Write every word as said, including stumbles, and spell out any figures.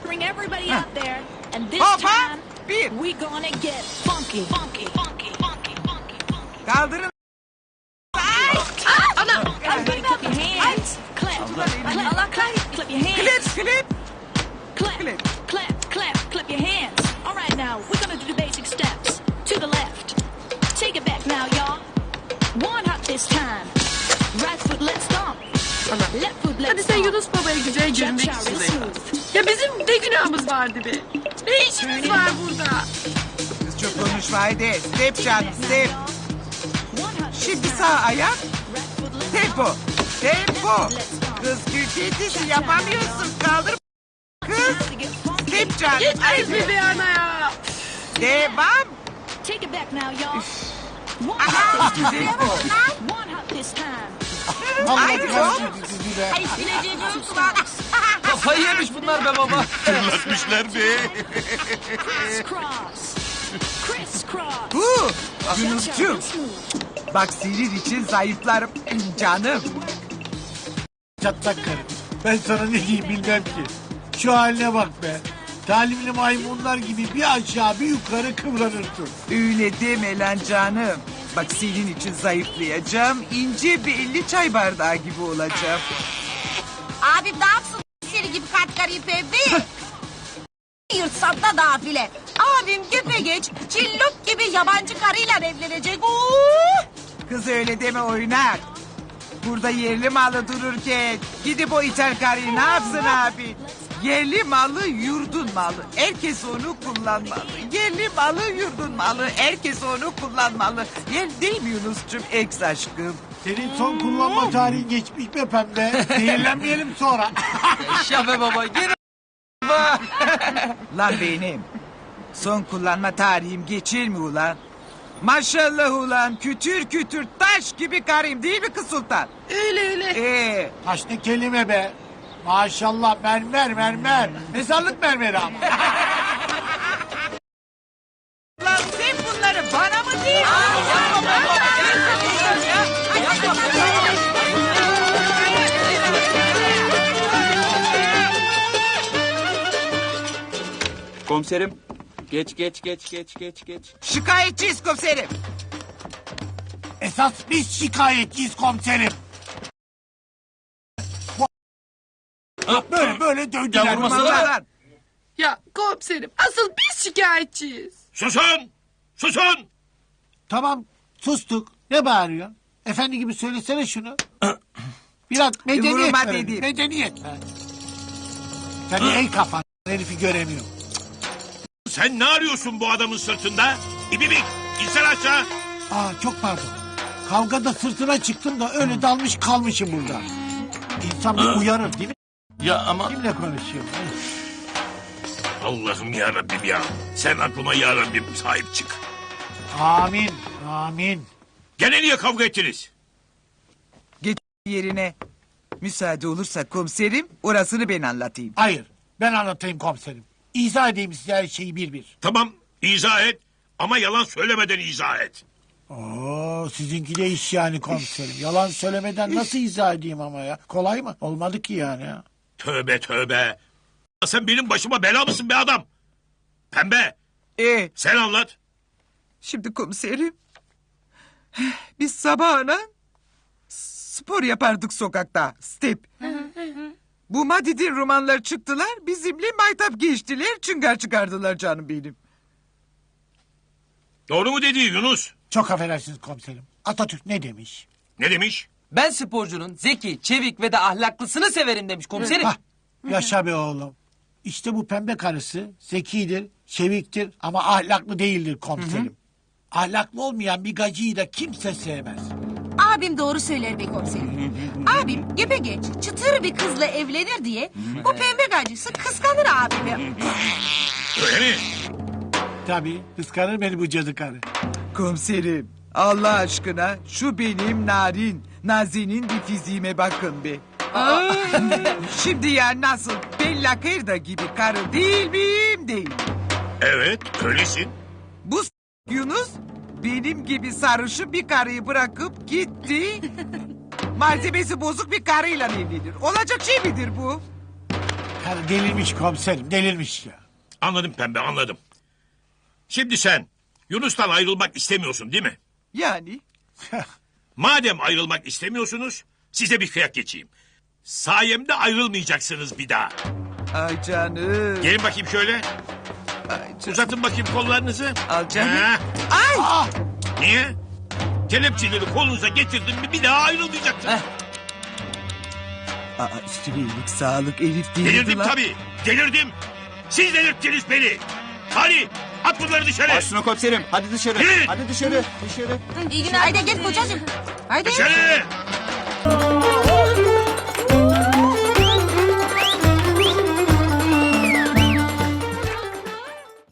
Bring everybody out there, and this Hoppa! time Bir. we gonna get funky, funky, funky, funky, funky, funky. Kaldırın. Everybody clap your hands. Clap, clap, clap, clap your hands. Klip klip. Clap, Clip. clap, clap, clap your hands. All right, now we're gonna do the basic steps. To the left. Take it back now, y'all. One hop this time. Right foot, let's stomp. Left foot, let's Hadi sen stomp. Yunus Baba'ya güzel görünmek Jump için real de yap. smooth. Ya bizim ne günahımız vardı be? Ne işimiz var burada? Kız çok konuşma haydi. Step canım step. One hop this Şimdi time. sağ ayak. Right foot, let's Tempo. stomp. Tempo. Kız küçültüsü yapamıyorsun. Kaldır. Kız. To get funky. Step canım. Yetmez mi be ana ya? Devam. Take it back now, y'all. One hop this time. One hop this time. Haydi çok. Kafayı yemiş bunlar be baba. Fırlatmışlar be. Crisscross. Crisscross. Bu. Jump Yunus'cum. real smooth. Bak senin için zayıflarım. Canım. Çatlak karı. Ben sana ne diyeyim bilmem ki. Şu haline bak be. Talimli maymunlar gibi bir aşağı bir yukarı kıvranırsın. Öyle deme lan canım. Bak senin için zayıflayacağım. İnce bir elli çay bardağı gibi olacağım. Abim ne yapsın seni gibi katkarıyı pembe? Yırtsan da nafile. Abim geç cillop gibi yabancı karıyla evlenecek. Oo! Kız öyle deme oynak. Burada yerli malı dururken gidip o ithal karıyı ne yapsın abi? Yerli malı yurdun malı. Herkes onu kullanmalı. Yerli malı yurdun malı. Herkes onu kullanmalı. Yer değil mi Yunus'cum ex aşkım? Senin son kullanma tarihin geçmiş be pembe. Zehirlenmeyelim sonra. Yaşa be baba. Gene Lan benim. Son kullanma tarihim geçir mi ulan? Maşallah ulan kütür kütür taş gibi karıyım değil mi kız sultan? Öyle öyle. Ee, Taş ne kelime be. Maşallah mermer mermer. Mezarlık mermeri ama. lan sen bunları bana mı değil? Komiserim. Geç geç geç geç geç geç. Şikayetçiyiz komiserim. Esas biz şikayetçiyiz komiserim. Bu- Böyle böyle dövdüler. Ya vurmasana. Vurma lan. Ya komiserim asıl biz şikayetçiyiz. Susun! Susun! Tamam sustuk. Ne bağırıyor? Efendi gibi söylesene şunu. Biraz medeniyet Vurma ver. dedim. Medeniyet ver. Sen ey kafan herifi göremiyorum. Sen ne arıyorsun bu adamın sırtında? İbibik! İnsan aşağı! Aa çok pardon. Kavgada sırtına çıktım da öyle dalmış kalmışım burada. İnsan bir uyarır değil mi? Ya ama... Kimle konuşuyorum? Allah'ım ya Rabbim ya. Sen aklıma ya Rabbim sahip çık. Amin. Amin. Gene niye kavga ettiniz? Geç yerine. Müsaade olursa komiserim orasını ben anlatayım. Hayır. Ben anlatayım komiserim. İzah edeyim size her şeyi bir bir. Tamam izah et ama yalan söylemeden izah et. Oo, sizinki de iş yani komiserim. Yalan söylemeden nasıl izah edeyim ama ya? Kolay mı? Olmadı ki yani ya. Tövbe tövbe. Sen benim başıma bela mısın be adam? Pembe Ee, sen anlat. şimdi komiserim. Biz sabahına spor yapardık sokakta. Step. Bu Madid'in romanlar çıktılar. Bizimle maytap geçtiler. Çıngar çıkardılar canım benim. Doğru mu dedi Yunus? Çok affedersiniz komiserim. Atatürk ne demiş? Ne demiş? Ben sporcunun zeki, çevik ve de ahlaklısını severim demiş komiserim. Hah, yaşa be oğlum. İşte bu pembe karısı zekidir, çeviktir ama ahlaklı değildir komiserim. Ahlaklı olmayan bir gacıyı da kimse sevmez. Abim doğru söyler be komiserim. Abim geç çıtır bir kızla evlenir diye bu pembe gacısı kıskanır abimi. Öyle mi? Tabii kıskanır beni bu cadı karı. Komiserim Allah aşkına şu benim narin, nazinin bir fiziğime bakın be. Şimdi ya nasıl Bella Kırda gibi karı değil miyim değil. Evet öylesin. Bu s- Yunus benim gibi sarışın bir karıyı bırakıp gitti. Malzemesi bozuk bir karıyla evlenir. Olacak şey midir bu? Karı delirmiş komiserim delirmiş ya. Anladım pembe anladım. Şimdi sen Yunus'tan ayrılmak istemiyorsun değil mi? Yani Madem ayrılmak istemiyorsunuz size bir kıyak geçeyim. Sayemde ayrılmayacaksınız bir daha. ay canım. Gelin bakayım şöyle. Ay canım. Uzatın bakayım kollarınızı. Al canım. Ha, Ay. Ah! niye? Kelepçeleri kolunuza getirdim mi bir daha ayrılmayacaksınız. Heh. Aa, üstüne iyilik sağlık Elif değildi Delirdim lan. tabii. Delirdim. Siz delirttiniz beni. Hadi at bunları dışarı. Başına komiserim. Hadi dışarı. Yürü. Hadi dışarı. Dışarı. İyi günler. Haydi gel kocacığım. Haydi. Dışarı.